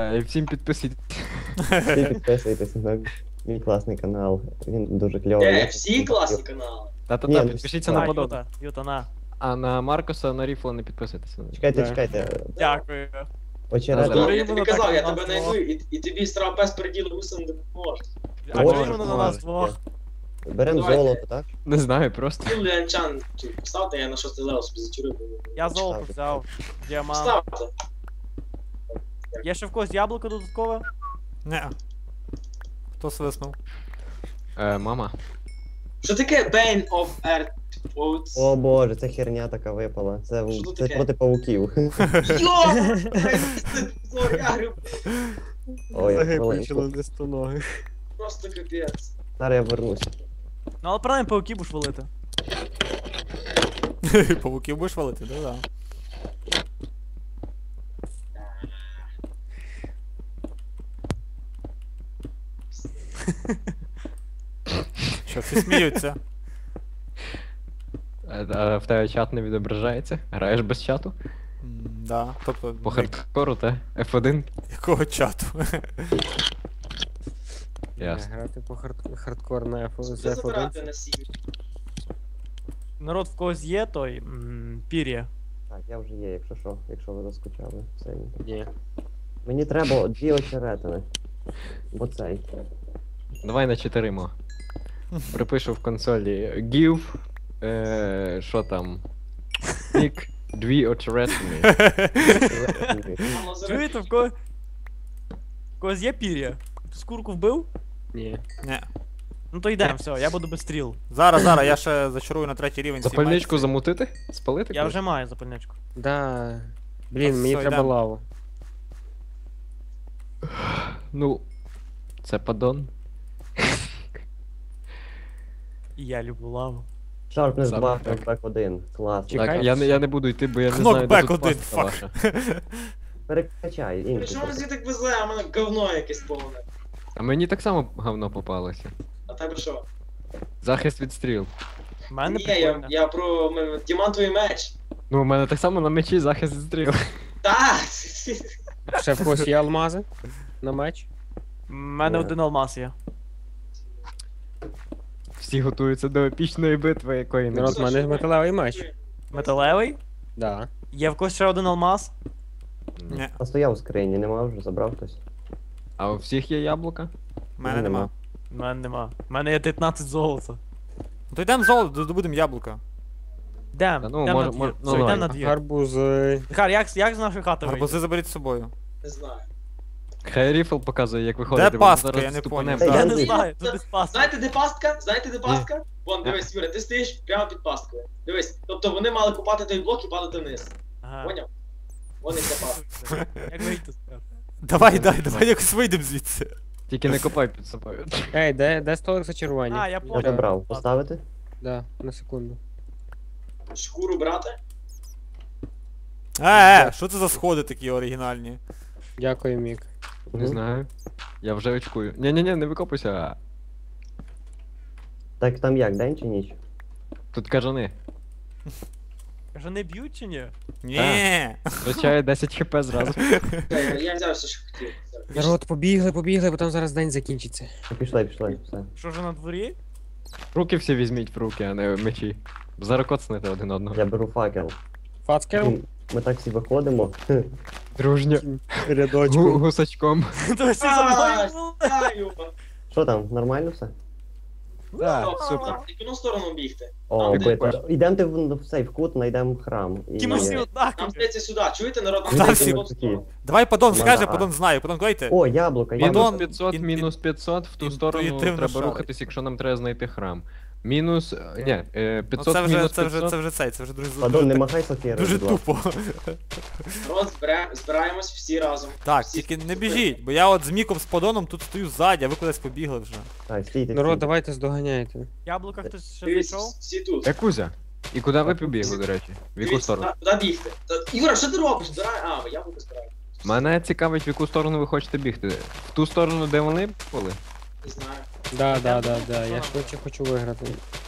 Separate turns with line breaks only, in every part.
І всім підписуйтесь.
Всі підписуйтесь на мій класний канал. Він дуже кльовий.
Всі класні канали.
Та-та-та,
Ні,
підпишіться
ну,
на
так.
подобне.
Юта, на.
А на Маркуса, на Ріфла не підписуйтеся.
Чекайте,
Да.
чекайте.
Дякую.
Очередно.
Добре.
Я тобі
Іменно
казав,
так
я
у нас
тебе
двох.
знайду, і тобі страв пес переділу гусем не допоможе.
А
Може,
чому воно на нас двох?
Беремо
Давайте.
золото, так?
Не знаю, просто.
Юлі Анчан, ставте, я на 6 левел собі зачурив.
Я золото взяв. Діамант.
Ставте.
Є ще в когось яблуко додаткове?
Не. Хто свиснув?
Мама.
Що таке Bane of Earth Oats?
О боже, це херня така випала. Це,
Що тут
це
таке?
проти павуків.
Йо! Я говорю,
Ой,
Ноги
хвилинку.
почали нести ноги.
просто капець.
Зараз я вернуся.
Ну але правильно пауки будеш валити.
Павуків будеш валити, да? Що, всі сміються?
А в тебе чат не відображається? Граєш без чату?
Да, тобто...
По хардкору, та? F1?
Якого чату?
Ясно.
Грати по хардкор на
Що
з
це забирати
F1.
на сім'ю?
Народ в когось є той пір'я.
Так, я вже є, якщо що, якщо ви заскучали. Все.
Ні.
Мені треба 2 очеретини. Бо цей.
Давай на 4 мо. Припишу в консолі give, що там? Pick 2 очеретини.
Мало зараз.
Чуєте, в когось є пір'я? Хтось курку вбив?
Ні. Не.
Ну то йдемо, все, я буду без стріл.
Зараз, я ще зачарую на 3-й рівень.
Запальничку замутити? Спалити?
Я вже маю запальничку.
Да. Блін, мені
Все,
треба
йдемо.
лаву.
Ну, це падон.
І я люблю лаву.
Sharpness
Саме
2,
так.
Knockback 1. Клас.
Чекай.
Так, я не буду йти, бо я не знаю, де
Knockback
тут
1,
пастка
fuck.
ваша.
Перекачай, інший.
Що мені так везе, а в мене говно якесь повне.
А мені так само говно попалося.
А тебе що?
Захист від стріл.
В мене
Ні,
прикольно.
я про діамантовий меч.
Ну, у мене так само на мечі захист від стріл.
Так!
Ще в когось є алмази на меч.
В мене
Ні.
один алмаз є.
Всі готуються до епічної битви, якої не
Народ,
буде.
в мене металевий меч.
Металевий?
Да.
Є в когось ще один алмаз?
Ні,
А стояв у скрині, нема вже, забрав хтось.
А у всіх є яблука?
в мене нема.
В мене нема. В мене є 19 золота.
Ну то йдемо золото, добудемо яблука.
Та
Йдем,
ну,
йдем
може-
на двір.
може-
Все,
ну,
йдем
давай.
на двір.
Гарбузи.
Захар, як з нашої хати вийти?
Гарбузи заберіть з собою.
Не знаю.
Хай Ріфл показує, як виходити.
Де
бо
пастка?
зараз
Я не
ступанем.
поняв.
Та
Я
йдем
не
звідси.
знаю, тут десь паска.
Знаєте, де пастка? Знаєте, де пастка? Вон, дивись, Юра, ти стоїш прямо під пасткою. Дивись, тобто вони мали купати той блок і падати вниз.
Ага.
Поняв? Вон і ця пастка.
Як вийти? Захар?
Давай якось вийдемо звідси.
Тільки не копай під собою.
Ей, де столик зачарування?
А, я
Я
понял.
забрав. Поставити?
Да, на секунду.
Шкуру брати?
Що це за сходи такі оригінальні?
Дякую, Мік.
Не знаю. Я вже очкую. Ні-ні-ні, не викопуйся.
Так там як, день чи ніч?
Тут кажани.
Каже, не б'ють чи ні?
Ні.
Втрачає 10 хп зразу.
Я взяв все, що хотів.
Народ, побігли, бо там зараз день закінчиться.
Пішли, все.
Що вже на дворі?
Руки всі візьміть в руки, а не в мечі. Зараз коцнете один одного.
Я беру факел.
Фацкер?
Ми так всі виходимо.
Дружньо.
Рядочку.
Гусачком.
То всі за мною.
Знаю.
Що там, нормально все?
Так, супер.
В яку сторону бігти?
О,
Там, де-
бити. Ідемте в цей в кут, знайдемо храм.
Ті ми всі
Нам
однакові.
здається сюди. Чуєте, народ? Нам
Ідемте
здається
всі
в
ми
одну
такі.
сторону.
Давай Падон скаже,
Ага.
Падон знає. Падон дайте.
О, яблука,
Мінус
Падон,
яблука.
500, мінус 500, в ту сторону
інтуїтивно
треба
шарить.
рухатись, якщо нам треба знайти храм. Мінус. Ні,
Ну
500
це
мінус
вже
500.
це вже дуже
Падон, не
так-
махай сокирою,
Дуже
будь ласка.
тупо.
Народ, збираємось всі разом.
Так,
Всі
тільки не
супер.
біжіть, бо я от з Міком з Падоном тут стою ззаді, а ви кудись побігли вже.
Так, стійте.
Народ,
стійте.
давайте здоганяйте.
Яблука хтось ще
Дивіться,
зайшов?
всі тут.
Якузя. І куди ви побігли, до речі? В яку
Дивіться,
сторону?
Куди бігти? Юра, що ти робиш? Я буду збирати.
Мене цікавить, в яку сторону ви хочете бігти. В ту сторону, де вони були?
Не знаю.
Да, я швидше хочу виграти.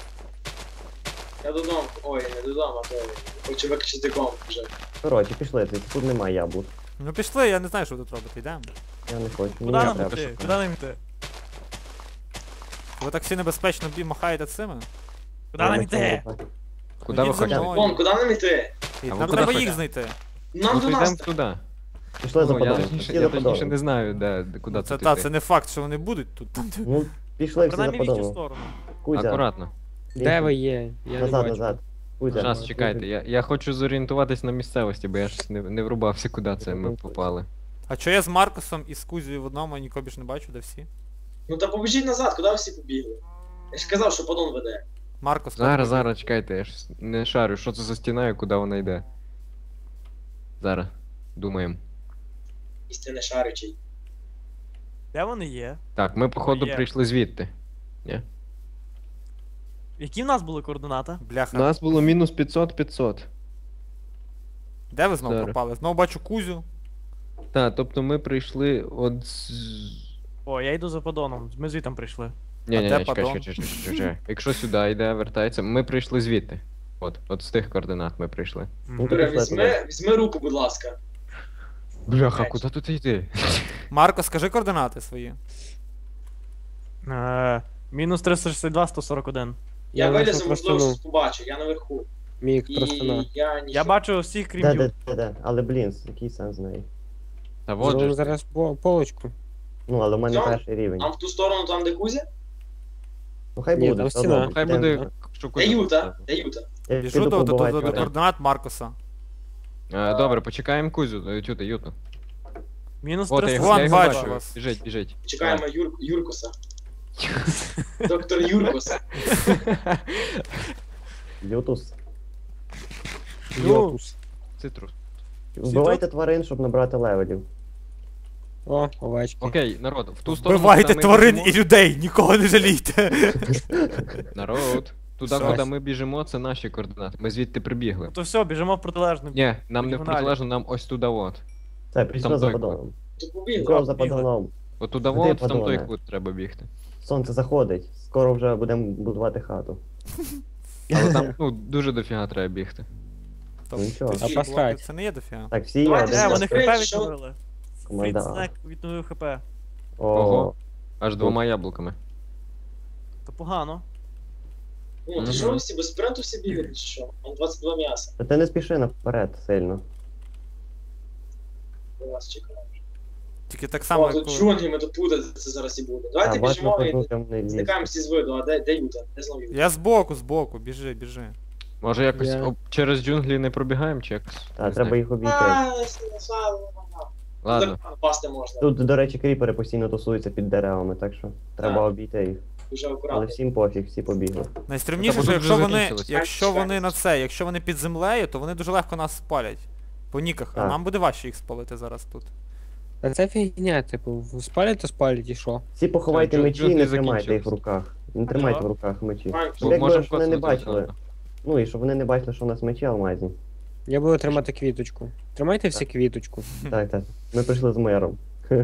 Я додому. Ой, не додому, а то хочу виключити комп вже.
Коротше, пішли, тут немає яблук.
Ну пішли, я не знаю, що ви тут робите, йдемо.
Я не хочу.
Куди
Мені
нам
треба.
йти? Куди нам йти?
Ви так всі небезпечно махаєте цими?
Куди нам йти?
Куди ви
Ідіть за
хочете?
мною.
Вон, куди нам іти?
І
А ви
нам
куди
треба
хочете?
їх знайти.
Нам
Ну
до
то
нас.
йдемо туди.
Пішли за
Ну, я
подолом.
точніше,
Всі
я
за
точніше
подолом.
не знаю, куди
Це
тут
та,
йти.
це не факт, що вони будуть тут.
Ну, пішли всі за
Принаймні в їхню
подолом.
сторону.
Кузя.
Акуратно.
Де ви є? Я не
Назад,
бачу.
назад. Кузя.
Зараз, чекайте, я хочу зорієнтуватись на місцевості, бо я ж не врубався, куди це ми попали.
А чого я з Маркусом і з Кузією в одному, а нікого більш не бачу, де всі?
Ну та побіжіть назад, куди ви всі побігли? Я ж казав, що подон веде.
Маркус,
Зараз, чекайте, я ж не шарю, що це за стіна і куди вона йде. Зараз, думаємо.
Істинне шарючий.
Де вони є?
Так, ми походу
Є.
прийшли звідти.
Які в нас були координати?
У
бляха.
нас було мінус 500.
Де ви знову
Зараз.
пропали? Знову бачу Кузю.
Так, тобто ми прийшли от з...
О, я йду за подоном. Ми звітом прийшли.
Ні,
де
чекай,
падон?
чекай. Якщо сюди йде, вертається, ми прийшли звідти. От з тих координат ми прийшли.
Ну,
Юра,
пішли туди.
візьми руку, будь ласка.
Бляха, куди тут йти?
Марко, скажи координати свої.
Мінус 362, 141.
Я
знайшов
вилізу, можливо,
простину.
щось побачу, я наверху.
Мік,
І
простина.
я ні.
Я бачу всіх, крім
Де,
Ю.
де. Але, блін, який сенс з неї?
Та вот же.
Зробимо
ж.
зараз полочку.
Ну, але в мене
Цьому?
перший рівень.
Там в ту сторону, там де Кузя?
Ну, хай
Ні,
буде.
там
все
стіна.
одно.
Хай
Йдемо.
буде, що
Де
куди.
Юта? Де Юта?
Я
Біжу
піду
до
побивати тварин.
координат Маркуса.
Добре, почекаємо Кузю, Юту.
Мінус
От, я його,
Вон,
я його
362.
бачу
бачу.
вас.
Біжить.
Чекаємо Юркуса. Доктор Юркус.
Лютус.
Йотус.
Цитрус.
Вбивайте тварин, щоб набрати левелів.
О, овечки.
Окей, народ, в ту сторону.
Вбивайте
куди ми
тварин
біжимо-
і людей, нікого не жалійте.
Народ. Туди,
Все.
куди ми біжимо, це наші координати. Ми звідти прибігли.
То все, біжимо в протилежну.
Ні, нам не в
Діагоналі.
протилежно, нам ось туди от.
Це, пішли
Там
за
той
подолом.
Тут побігли.
Нікого за
бігли.
подолом.
От туди
Куди
от, в там той
подолане?
кут треба бігти.
Сонце заходить. Скоро вже будемо будувати хату.
Але там, ну, дуже дофіга треба бігти.
Ну, нічого.
Ці
А пасхать.
блоки, Це не є дофіга.
Так, всі є
Давайте
один.
Вони
Скажіть,
хп
що-
відновили.
Команда.
Фрідснек відновив хп.
Ого. Аж двома яблуками.
То погано.
Ну,
Мгм.
то що ви всі без спринту всі бігають, чи що? Там 22 м'яса.
Та ти не спіши наперед сильно.
Я вас чекаю.
Тільки так само,
О,
як
тут
коли-
джунглі, ми тут путатися зараз і буде.
А,
Давайте
бачимо,
біжимо і
кожну темний ліс.
зникаємо всі з виду. А де Юта? Де знову Юта?
Я збоку, біжи.
Може якось
Я-
через джунглі не пробігаємо, чи якось?
Та,
Не
треба
знаю.
їх обійти.
Ладно.
Пасти можна.
Тут, до речі, кріпери постійно тусуються під деревами, так що треба
Так.
обійти їх.
Дуже
Але
акуратно.
всім пофіг, всі побігли.
Найстрімніше,
Та, бо
що
тут
якщо
вже
вони,
закінчилось.
якщо вони під землею, то вони дуже легко нас спалять. По ніках, а
Так.
нам буде важче їх спалити зараз тут.
А це фігня, типу, спалять, то спалять і що?
Всі поховайте
Джун-
мечі і
джунглі
не тримайте їх в
закінчились.
руках. Не тримайте
Чого?
в руках мечі.
Маємо,
Щоб якби
можемо
ж вони не
коцнути
бачили.
одразу.
Ну і щоб вони не бачили, що у нас мечі алмазні.
Я буду тримати квіточку. Тримайте всі квіточку.
Так, так. Ми прийшли з миром.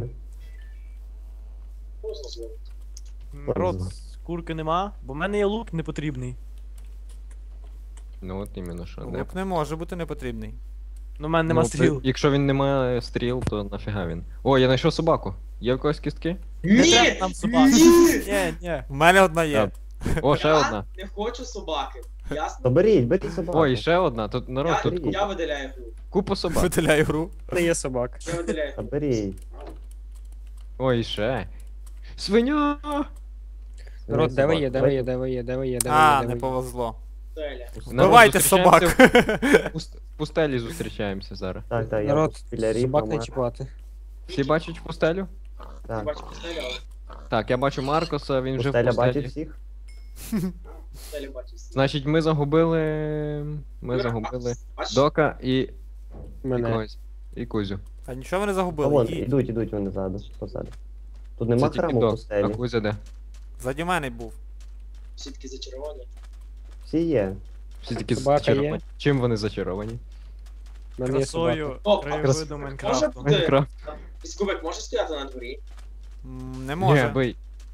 Поздно знову.
Народ, курки нема, бо в мене є лук непотрібний.
Ну от іменно що. Не.
Лук не може бути непотрібний.
Ну, в мене нема
Ну,
стріл.
Якщо він не має стріл, то нафіга він. О, я знайшов собаку. Є в когось кістки?
Не
Ні!
треба нам собак.
Ні!
Ні.
У мене одна є.
О, ще
Я
одна.
не хочу собаки. Ясно?
То беріть собаку.
Ой, ще одна. Тут народ,
Я,
тут
я видаляю гру.
купа собак.
Виділяю гру.
Не є собак.
Я видаляю
Та
гру.
беріть.
Ой, ще. Свиня!
Народ, де ви є, де ви є, де ви є, де ви є, де ви є,
А,
де
не
ви є.
повезло.
Теля.
Народ,
Вбивайте
зустрічаємося
собак.
В пустелі зустрічаємося зараз.
Так, так, я
Народ,
тут біля рів.
собак не
Мама.
чіпати.
Всі бачать пустелю?
Так.
Бачу, постеля,
Так, я бачу Маркоса, він вже в
Пустеля бачить
пустелі.
всіх?
постеля бачу.
Значить, ми загубили. Ми загубили Дока і
Мене.
когось. І Кузю.
А нічого ви не
А
загубили.
вон,
Їдь.
ідуть вони ззаду, позаду. Тут
Це
нема
тільки
храму в
Док. А
пустелі.
Кузя де?
Ззаді мене був.
Всі такі зачаровані.
Всі є.
Всі такі
Собака
зачаровані.
є.
Чим вони зачаровані?
В мене є собака.
Красою
О,
краєвиду
Може
Майнкрафту.
бути.
Майнкрафт.
Піскубик може стояти на дворі?
Не
Ні,
може.
бий.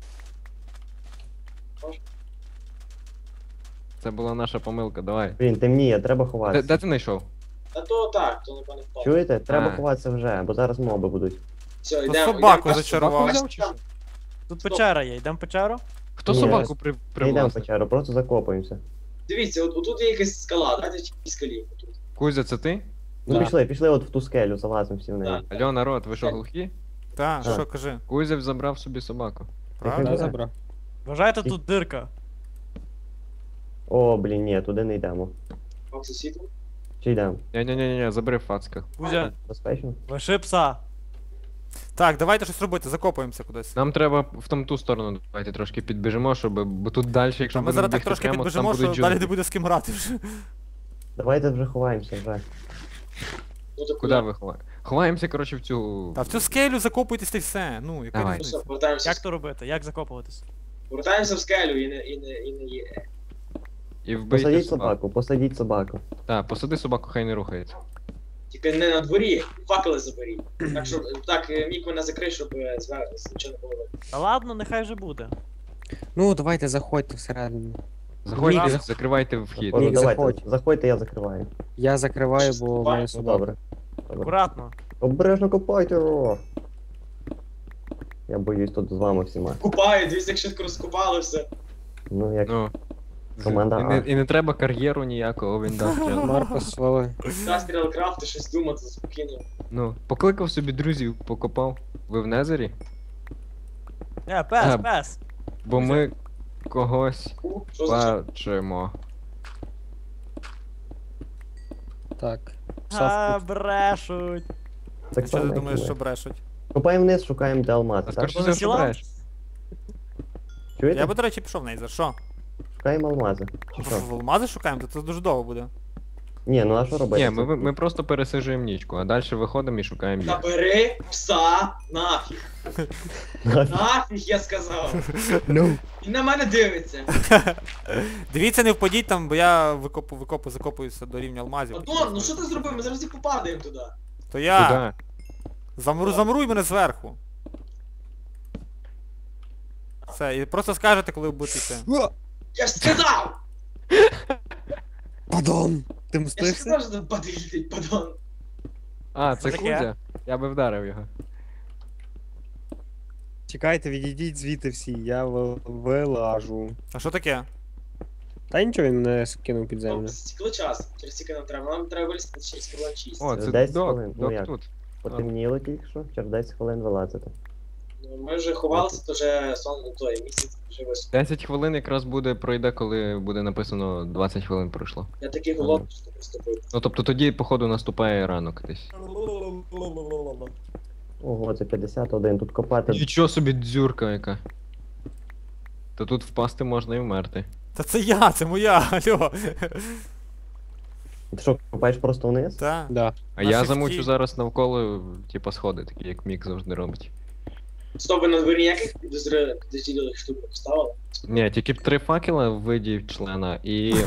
Може.
Це була наша помилка, давай.
Блін, темніє, треба
Де
ховатися.
ти знайшов?
А то так, то напевно впав.
Чуєте? Треба
А.
ховатися вже, бо зараз моби будуть.
Все,
Ну,
йдемо.
собаку
йдемо.
зачарував.
Взяв чи що?
Тут
Стоп.
печера є, йдемо в печеру?
Хто
Ні,
собаку
Не йдемо в
привласив?
печеру, просто закопуємося.
Дивіться, отут є якась скала, давайте в цій скалі. Отут.
Кузя, це ти?
Ну
Да.
пішли от в ту скелю, залазимо всі в неї.
Так.
Алло, народ, ви що глухі?
Так,
А.
що кажи?
Кузя забрав собі собаку.
Правда?
Да, забрав.
Вважайте, тут дирка.
О, блін, ні, туди не йдемо.
Пак сусідом.
Чи йдемо?
Ні, забери фацка.
Кузя,
Безпечно?
лиши пса.
Так, давайте щось робити, закопуємося кудись.
Нам треба в ту сторону давайте трошки підбіжимо, щоб. Бо тут далі, якщо
Ми
будемо
зараз так
бігти
трошки
прямо, там
підбіжимо,
будуть
що далі не
джунглі.
буде з ким грати вже.
Давайте вже ховаємося вже.
Ну то
Куди ви ховаєте? Ховаємося, коротше, в цю.
Та в цю скелю закопуйтесь та й все. Ну, яка
Давай.
Все,
різниця?
повертаємося.
Як то робити? Як закопуватись?
Повертаємося в скелю і не є.
І вбийте
Посадіть
собаку.
собаку, посадіть собаку.
Так, посади собаку, хай не рухається.
Тільки не на дворі, факели заберіть. Так, щоб так, мік мене закрий, щоб зверху нічого не було видно.
Та ладно, нехай вже буде.
Ну, давайте заходьте всередину.
Заходьте,
Ні,
закривайте вхід.
Ладно,
Ні,
давайте,
заходь.
заходьте, я закриваю.
Я закриваю, бо в мене
Ну
собака.
добре. Добре.
Акуратно.
Обережно копайте його. Я боюсь тут з вами всіма.
Купаю, дивіться, як швидко розкопали все.
Ну як.
Ну.
Команда А.
І не треба кар'єру ніякого, він дасть.
Марко свали.
Застріл крафти, щось думати спокійно.
Ну, покликав собі друзів, покопав. Ви в Незері?
Пес,
А,
пес.
Бо ми когось
Що за
бачимо.
Так.
А, брешуть.
Так
Що ти
само, як
думаєш,
і ми.
що брешуть?
Копаємо вниз, шукаємо де алмази,
А
так?
скажи,
Вони
що
сіла?
бреш?
Чуєте?
Я би, до речі, пішов в Нейзер. Що?
Шукаємо алмази. Чи що?
В алмази шукаємо? То це дуже довго буде.
Ні, ну а що робити?
Ні, ми просто пересижуємо нічку, а далі виходимо і шукаємо їх.
Забери пса нафіг. Нафіг, я сказав.
Ну.
Він на мене дивиться.
Дивіться, не впадіть там, бо я закопуюся до рівня алмазів.
Адон, ну що ти зробив? Ми зараз і попадаємо туди.
То я
Куди?
замруй мене зверху. Все, і просто скажете, коли ви будете йти.
Я ж сказав!
Падон! Ти
Я ж
мстишся?
сказав, що тут падить, падон.
А, це
Таке?
Кузя? Я би вдарив його.
Чекайте, відійдіть звідти всі, я вилажу.
А що таке?
Та нічого, він мене скинув під землю.
Стекло час, через скільки нам треба. Нам треба вилізти через кіло 6.
О, це
10
док,
хвилин, ну
док
як?
тут.
Потемніло тільки що, через 10 хвилин вилазити.
Ну, ми вже ховалися, то вже сон той місяць вже вийшов.
10 хвилин якраз пройде, коли буде написано 20 хвилин пройшло.
Я такий голодний, що просто пив.
Ну тобто тоді, походу, наступає ранок десь.
Ого, це 51, тут копати.
Нічого собі дзюрка яка. Та тут впасти можна і вмерти.
Та це я, це моя, алло.
Ти що, копаєш просто вниз?
Та.
Да.
А
На
я
шифті.
замучу зараз навколо, типа, сходи, такі як Мік завжди робить.
Стоп, ви на дворі ніяких підозрілих штук не поставили?
Ні, тільки 3 факела в виді члена і.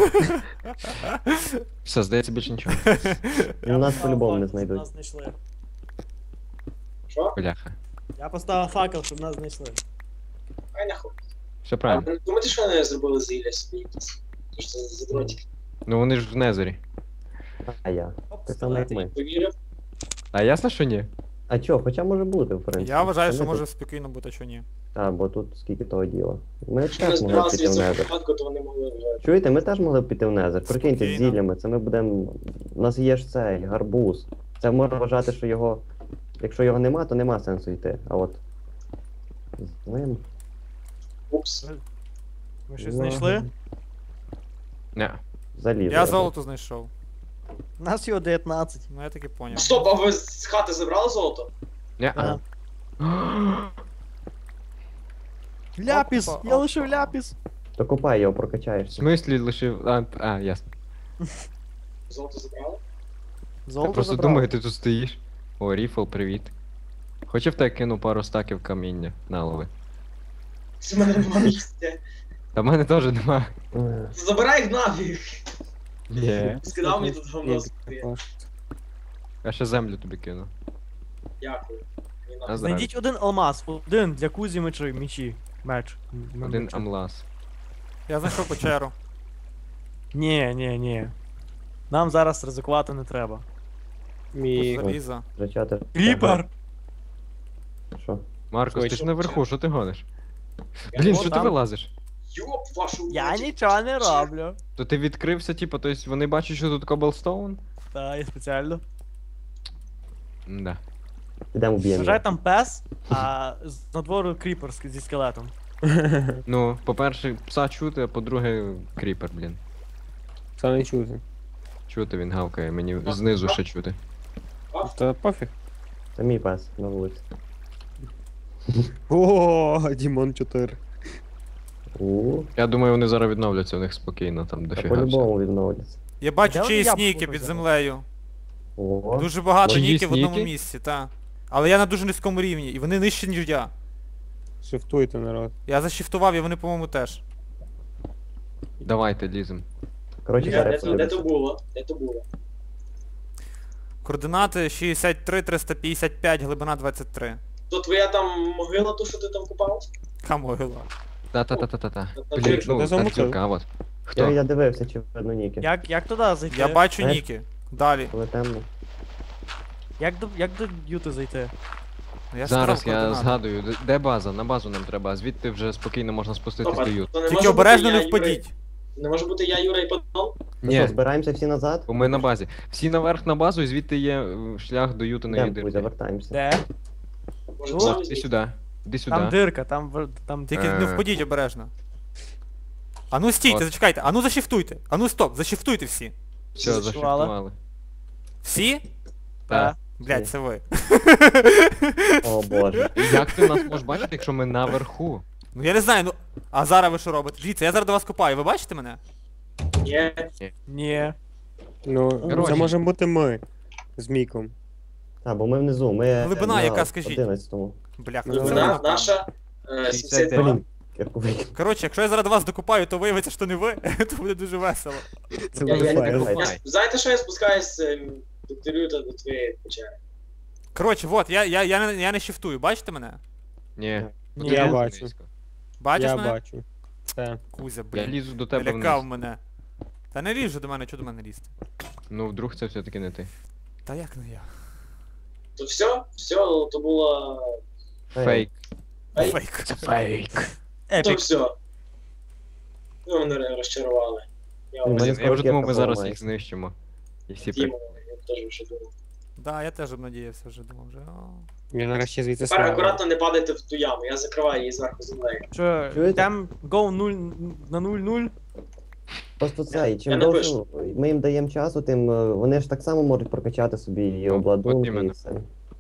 Все, здається, більше нічого.
Ну, нас по-любому не знайдуть.
Нас знайшли.
Що?
Бляха.
Я поставив факел, щоб нас знайшли.
Ай нахуй.
Все
А
правильно.
ви не думаєте, що вони зробили зілля собі якісь? Тож це задротики.
Ну вони ж в Незері.
А я. Так само як ми.
Повірив?
А ясно, що ні?
А чо, хоча може бути, в принципі.
Я вважаю,
Та
що
ми
може
тут-
спокійно бути, а що ні.
Та, бо тут скільки того діла. Ми
Якщо не
теж могли б
збиралися
піти
від
в
цього
незер.
випадку, то вони могли вже.
Чуєте, ми теж могли б піти в незер. Прикиньте, з
Спокійно.
зіллями, це ми будемо. У нас є ж цей гарбуз. Це можна вважати, що його. Якщо його нема, то нема сенсу йти. А от. З ним.
Упс.
Ми щось знайшли?
Не.
Залізо.
Я золото знайшов.
Нас його 19.
Ну я таки поняв.
Стоп, а ви з хати забрали золото?
Не.
Ага. Ляпіс!
Опа,
Я лишив ляпіс!
То копай його,
В
прокачаєшся.
смислі лишив. Ясно.
Золото забрали?
Я
Золото
просто
забрав.
думаю, ти тут стоїш. О, Ріфл, привіт. Хоче в тебе кину пару стаків каміння на лови.
Це в мене нема місця.
Та в мене теж нема.
Забирай їх нафіг.
Ні.
Скидав мені тут говно.
Я ще землю тобі кину.
Дякую. Мені
А
нафіг.
Знайдіть один алмаз, один для Кузі мечі. Меч.
Один
Меч.
амлас.
Я знайшов печеру.
Ні. Нам зараз ризикувати не треба.
Мій...
Заліза.
Зачати.
Кріпер!
Що?
Маркос, ти
Швидше.
ж наверху, що ти гониш? Блін,
О,
що ти
там.
вилазиш?
Йоп, вашу
Я
мать.
нічого не роблю.
То ти відкрився, типу, тобто вони бачать, що тут коблстоун?
Та, я спеціально.
Да.
Ідемо вб'ємо.
Вважай там пес, а з надвору кріпер зі скелетом.
Ну, по-перше, пса чути, а по-друге, кріпер, блін.
Це не чути.
Чути він гавкає, мені знизу ще чути.
Та пофіг.
Це мій пес на вулиці.
О, Дімон 4.
Я думаю, вони зараз відновляться, у них спокійно там
Та
дофіга всього.
по-любому відновляться.
Я бачу
Де вони
чиїсь
яблуко
ніки під
взяли?
землею.
О,
Дуже багато
Чиїсь
ніків в одному
ніки?
місці, та. Але я на дуже низькому рівні, і вони нижчі, ніж я.
Шифтуйте, народ.
Я зашифтував, і вони, по-моєму, теж.
Давайте, лізем.
коротше,
Де
зараз
то було? Де то було?
Координати 63, 355, глибина 23.
То твоя там могила, то що ти там купав?
Камогила.
Та-та-та-та-та.
Та
Блін,
ти-
що
ну,
ти
та
замутив?
дірка, а от.
Я
Хто?
дивився, чи видно ніки.
Як туди зайти?
Я бачу
Е?
ніки. Далі.
Коли темно.
Як до Юти зайти?
Я
Зараз
сказав
я
координати.
згадую, де база? На базу нам треба, а звідти вже спокійно можна спуститись
Стоп,
до ют.
то не
Тільки
може
обережно
бути
не
я, Юра,
впадіть.
Не може бути я, Юра і Павло?
Ну що,
Ні,
збираємося всі назад?
бо ми на базі. Всі наверх на базу, і звідти є шлях до ютиної
Йдемо, Кузя,
дирки.
вертаємося.
Де?
Може,
Ну,
сам
Іди
звідси?
сюди. Іди
Там
сюди.
дирка, там
Тільки не впадіть обережно. Ану стійте,
От.
зачекайте, ану зашифтуйте. Ану стоп, зашифтуйте всі.
Все,
Зашифрували.
зашифтували.
Всі?
Так.
Блять,
Всі.
це ви.
О боже.
Як ти нас можеш бачити, якщо ми наверху?
Ну я не знаю, ну. А зараз ви що робите? Дивіться, я зараз до вас копаю, ви бачите мене?
Ні.
Ні.
Ну,
Коротше.
це можемо бути ми. З Міком.
Так, бо ми внизу, ми
Глибина
на
яка, скажіть?
11-му.
Бляха,
Ну,
це
вона-
Вона
ви.
наша 72.
Блін, кирковий.
Коротше, якщо я зараз до вас докопаю, то виявиться, що не ви, то буде дуже весело.
Це
Я
буде
не
файл.
так-
Я знаєте, що я спускаюсь до Тирюта до твоєї печери?
Коротше, от, я не шифтую, бачите мене?
Ні.
Ні.
Я
Дуже
бачу.
низько.
Бачиш
Я
мене?
бачу. Це.
Кузя,
Я
блін.
лізу до тебе
Лякав
вниз.
мене. Та не лізь же до мене, чого до мене лізти?
Ну, вдруг це все-таки не ти.
Та як не я?
То все, то було...
Фейк.
Ей.
Фейк.
Фейк.
То
Епік.
все. Ви мене розчарували. Я
Ну,
вас
Блін, я вже думав, ми
Ракетка
зараз
поламає.
їх знищимо. І всі
Діму, я теж вже думав.
Да, я теж обнадіявся вже, думав вже. О.
Я нарешті звідси
Тепер
слава.
акуратно не падайте в ту яму, я закриваю її зверху землею.
Що,
Чуєте?
там go 0 на 0-0?
Просто це, і
Я
чим
не
довше ми їм даємо часу, тим вони ж так само можуть прокачати собі і
Ну, от
обладунки, і
іменно.
все.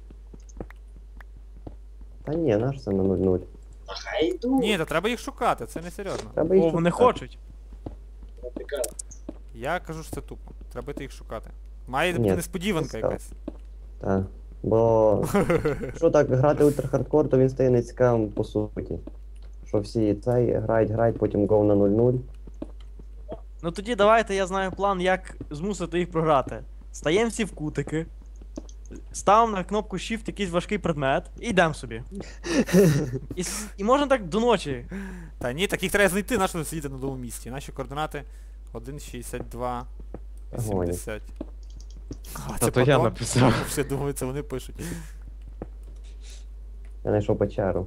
Та ні, наш це на 0-0.
А хай йду.
Ні, та треба їх шукати, це не серйозно.
Треба їх
О, вони
шукати.
хочуть.
Ну, така.
Я кажу, що це тупо. Треба йти їх шукати. Має
Ні,
бути несподіванка
це
якась.
Так. Бо якщо так грати ультрахардкор, то він стає нецікавим по суті. Що всі цей грають, потім гол на 0-0.
Ну тоді давайте я знаю план, як змусити їх програти. Стаємо всі в кутики. Ставимо на кнопку Shift якийсь важкий предмет і йдемо собі. І можна так до ночі.
Та ні, так їх треба знайти, на що сидіти на новому місці. Наші координати 1,62, 80. А,
Та то я написав.
Все думаю, це вони пишуть.
Я знайшов печеру.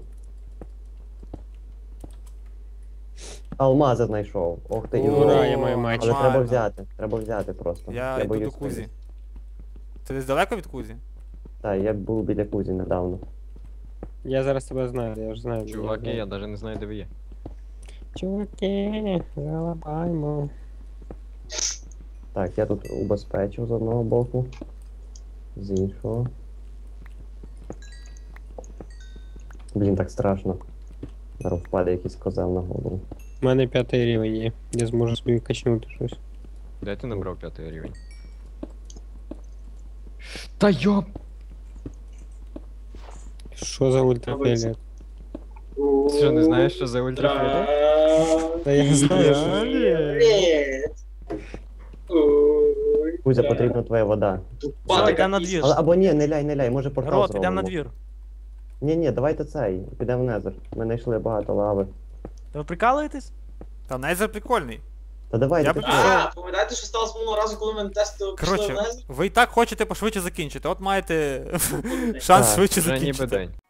Алмази знайшов. Ох ти,
Ура,
Юра.
я маю меч.
Але треба
Нормально.
взяти. Треба взяти просто.
Я йду до
боюсь
Кузі.
вилізти.
Ти десь далеко від Кузі?
Так, я був біля Кузі недавно.
Я зараз тебе знаю, я ж знаю. де
Чуваки,
я.
я навіть не знаю, де ви є.
Чуваки, залабаймо.
Так, я тут убезпечив з одного боку. З іншого. Блін, так страшно. Зараз впаде якийсь козел на голову.
У мене 5-й рівень є. Я зможу собі качнути щось.
Де ти набрав 5-й рівень? Та йоп!
Що за ультрафіолет?
Ти що, не знаєш, що за ультрафіолет?
Та я знаю, що...
Привіт. Ой,
Кузя,
да.
потрібна твоя вода.
Тупа
Все,
така
йдемо на
пісня.
двір.
Або ні, не ляй, може портал
Народ,
зробимо.
йдемо на двір.
Ні, давайте цей, підемо в Незер. Ми знайшли багато лави.
Та ви прикалуєтесь?
Та Нейзер прикольний.
Та давай,
Я
ти
би
що?
А, пам'ятаєте, що сталося минулого разу, коли ми тестили пішли
Коротше,
вниз?
ви і так хочете пошвидше закінчити, от маєте шанс
Так,
швидше
Вже ніби
закінчити.
день.